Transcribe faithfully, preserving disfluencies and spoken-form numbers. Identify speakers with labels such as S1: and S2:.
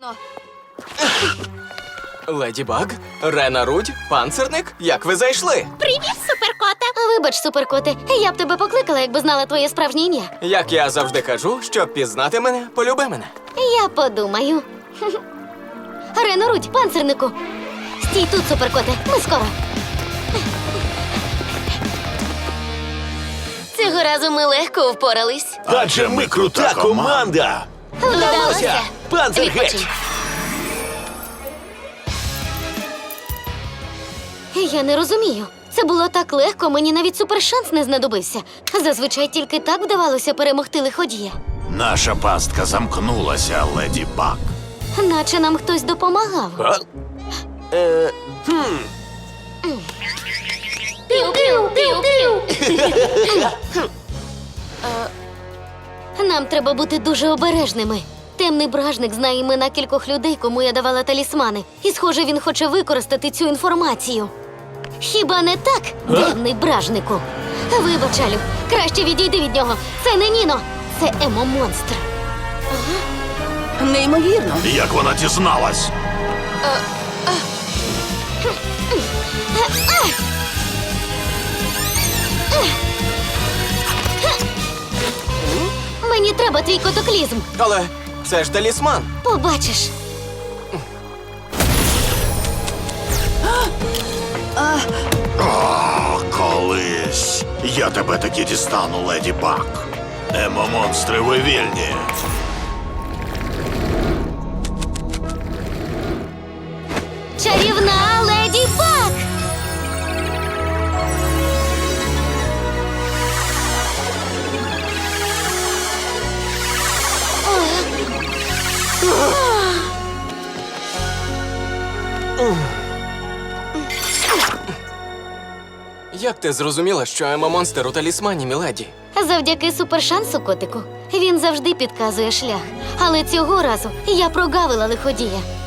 S1: Леді Баг, Рена Рудь, панцирник, як ви зайшли?
S2: Привіт, суперкоте!
S3: Вибач, суперкоте, я б тебе покликала, якби знала твоє справжнє ім'я.
S1: Як я завжди кажу, щоб пізнати мене, полюби мене.
S3: Я подумаю. Рено Рудь, панцирнику. Стій тут, суперкоте, ми скоро. Цього разу ми легко впорались.
S4: Адже ми крута команда!
S3: Вдалося.
S4: Панцир
S3: Відпочинь.
S4: геть!
S3: Я не розумію. Це було так легко, мені навіть супершанс не знадобився. Зазвичай тільки так вдавалося перемогти лиходія.
S4: Наша пастка замкнулася, леді Баг.
S3: Наче нам хтось допомагав.
S4: А? Е,
S3: Піу-піу, піу-піу. Нам треба бути дуже обережними. Темний бражник знає імена кількох людей, кому я давала талісмани. І, схоже, він хоче використати цю інформацію. Хіба не так, темний бражнику? Вибач, Алю, краще відійди від нього. Це не Ніно, це емо-монстр.
S2: Неймовірно.
S4: як вона дізналась?
S3: Мені треба твій котоклізм.
S1: Але це ж талісман.
S3: Побачиш.
S4: О, колись. Я тебе таки дістану, леді Баг. Емо-монстри, ви вільні.
S3: Чарівна леді Баг!
S1: Як ти зрозуміла, що емо-монстр у талісмані, міледі?
S3: Завдяки супершансу, котику. Він завжди підказує шлях. Але цього разу я прогавила лиходія.